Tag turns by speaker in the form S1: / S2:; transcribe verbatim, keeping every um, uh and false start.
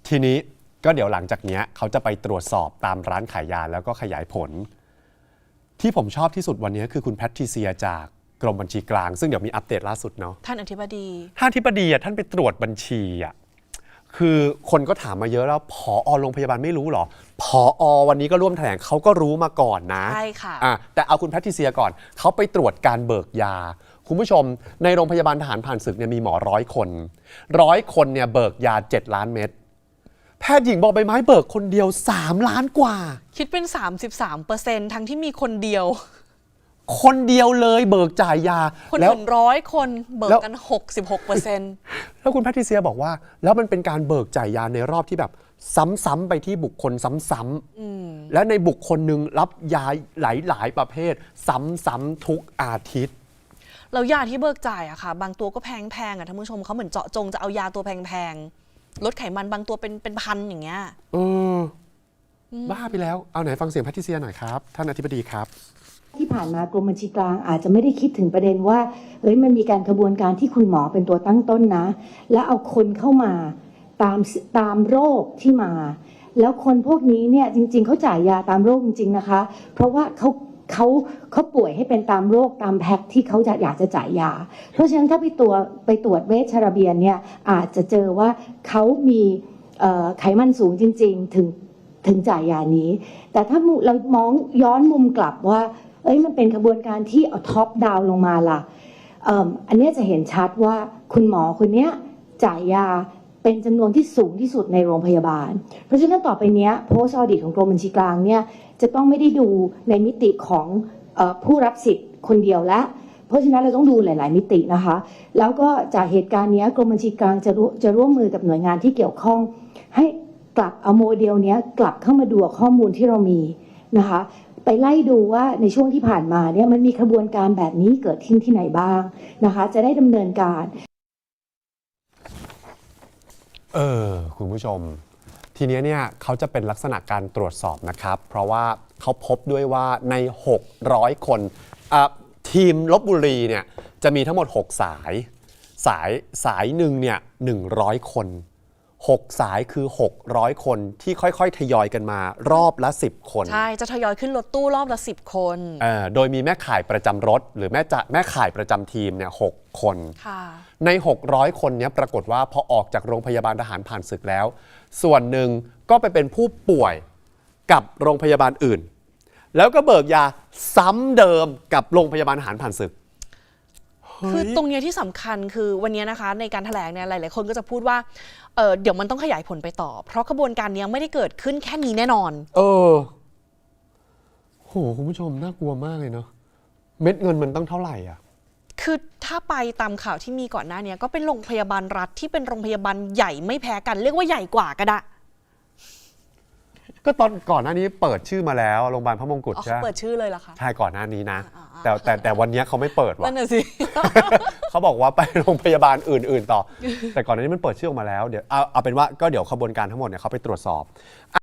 S1: ทีนี้ก็เดี๋ยวหลังจากนี้เขาจะไปตรวจสอบตามร้านขายยาแล้วก็ขยายผลที่ผมชอบที่สุดวันนี้คือคุณแพทริเซียจากกรมบัญชีกลางซึ่งเดี๋ยวมีอัปเดตล่าสุดเนาะ
S2: ท่านอธิบดี
S1: ท่านอธิบดีอ่ะท่านไปตรวจบัญชีอ่ะคือคนก็ถามมาเยอะแล้วผอโรงพยาบาลไม่รู้หรอผอวันนี้ก็ร่วมแถลงเขาก็รู้มาก่อนนะ
S2: ใช่ค่ะ
S1: อ่ะแต่เอาคุณแพทริเซียก่อนเขาไปตรวจการเบิกยาคุณผู้ชมในโรงพยาบาลทหารผ่านศึกเนี่ยมีหมอร้อยคนร้อยคนเนี่ยเบิกยาเจ็ดล้านเม็ดแพทย์หญิงบอกใบไม้เบิกคนเดียวสามล้านกว่า
S2: คิดเป็น สามสิบสามเปอร์เซ็นต์ ทั้งที่มีคนเดียว
S1: คนเดียวเลยเบิกจ่ายยา
S2: คนอื่นร้อยคนเบิกกัน หกสิบหกเปอร์เซ็นต์
S1: แล้วคุณแพทริเซียบอกว่าแล้วมันเป็นการเบิกจ่ายยาในรอบที่แบบซ้ำๆไปที่บุคคลซ้ำๆและในบุคคลหนึ่งรับยาหลายๆประเภทซ้ำๆทุกอาทิตย์
S2: แล้วยาที่เบิกจ่ายอะค่ะบางตัวก็แพงๆอะท่านผู้ชมเขาเหมือนเจาะจงจะเอายาตัวแพงๆลดไขมันบางตัวเป็นเป็นพันอย่างเงี้ย
S1: เออบ้าไปแล้วเอาไหนฟังเสียงแพทริเซียหน่อยครับท่านอธิบดีครับ
S3: ที่ผ่านมากรมบัญชีกลางอาจจะไม่ได้คิดถึงประเด็นว่าเฮ้ยมันมีการกระบวนการที่คุณหมอเป็นตัวตั้งต้นนะแล้วเอาคนเข้ามาตามตามโรคที่มาแล้วคนพวกนี้เนี่ยจริงๆเขาจ่ายยาตามโรคจริงๆนะคะเพราะว่าเขาเขาเขาป่วยให้เป็นตามโรคตามแพ็คที่เขาจะอยากจะจ่ายยาเพราะฉะนั้นถ้าไปตัวไปตรวจเวชระเบียนเนี่ยอาจจะเจอว่าเขามีไขมันสูงจริงๆถึงถึงจ่ายยานี้แต่ถ้าเรามองย้อนมุมกลับว่าเอ้ยมันเป็นกระบวนการที่เอาท็อปดาวลงมาล่ะ อ, อันนี้จะเห็นชัดว่าคุณหมอคนนี้จ่ายยาเป็นจำนวนที่สูงที่สุดในโรงพยาบาลเพราะฉะนั้นต่อไปนี้โพสต์ออดิตของกรมบัญชีกลางเนี่ยจะต้องไม่ได้ดูในมิติของเอ่อผู้รับสิทธิ์คนเดียวและเพราะฉะนั้นเราต้องดูหลายๆมิตินะคะแล้วก็จากเหตุการณ์นี้กรมบัญชีกลางจะจะร่วมมือกับหน่วยงานที่เกี่ยวข้องให้กลับเอาโมเดลนี้กลับเข้ามาดูข้อมูลที่เรามีนะคะไปไล่ดูว่าในช่วงที่ผ่านมาเนี่ยมันมีกระบวนการแบบนี้เกิดขึ้นที่ไหนบ้างนะคะจะได้ดำเนินการ
S1: เออคุณผู้ชมทีนี้เนี่ยเขาจะเป็นลักษณะการตรวจสอบนะครับเพราะว่าเขาพบด้วยว่าในหกร้อยคนทีมลพบุรีเนี่ยจะมีทั้งหมดหกสายสายสายหนึ่งเนี่ยหนึ่งร้อยคนหกสายคือหกร้อยคนที่ค่อยๆทยอยกันมารอบละสิบคน
S2: ใช่จะทยอยขึ้นรถตู้รอบละสิบคน
S1: เอ่อโดยมีแม่ข่ายประจำรถหรือแม่จะแม่ข่ายประจำทีมเนี่ยหกคนในหกร้อยคนนี้ปรากฏว่าพอออกจากโรงพยาบาลทหารผ่านศึกแล้วส่วนหนึ่งก็ไปเป็นผู้ป่วยกับโรงพยาบาลอื่นแล้วก็เบิกยาซ้ำเดิมกับโรงพยาบาลทหารผ่านศึก
S2: คือตรงนี้ที่สำคัญคือวันนี้นะคะในการแถลงเนี่ยหลายๆคนก็จะพูดว่า เ, เดี๋ยวมันต้องขยายผลไปต่อเพราะกระบวนการนี้ไม่ได้เกิดขึ้นแค่นี้แน่นอน
S1: เออโหคุณผู้ชมน่ากลัวมากเลยเนาะเม็ดเงินมันต้องเท่าไหร่อ่ะ
S2: คือถ้าไปตามข่าวที่มีก่อนหน้านี้ก็เป็นโรงพยาบาลรัฐที่เป็นโรงพยาบาลใหญ่ไม่แพ้กันเรียกว่าใหญ่กว่าก็ได้
S1: ก็ตอนก่อนหน้านี้เปิดชื่อมาแล้วโรงพยาบาลพระมงกุฎใช่
S2: เปิดชื่อเลยเหรอคะ
S1: ใช่ก่อนหน้านี้นะแต่แต่แต่วันนี้เขาไม่เปิดว่ะ
S2: นั่นน่ะสิ
S1: เขาบอกว่าไปโรงพยาบาลอื่นๆต่อแต่ก่อนหน้านี้มันเปิดชื่อออกมาแล้วเดี๋ยวเอาเอาเป็นว่าก็เดี๋ยวขบวนการทั้งหมดเนี่ยเขาไปตรวจสอบ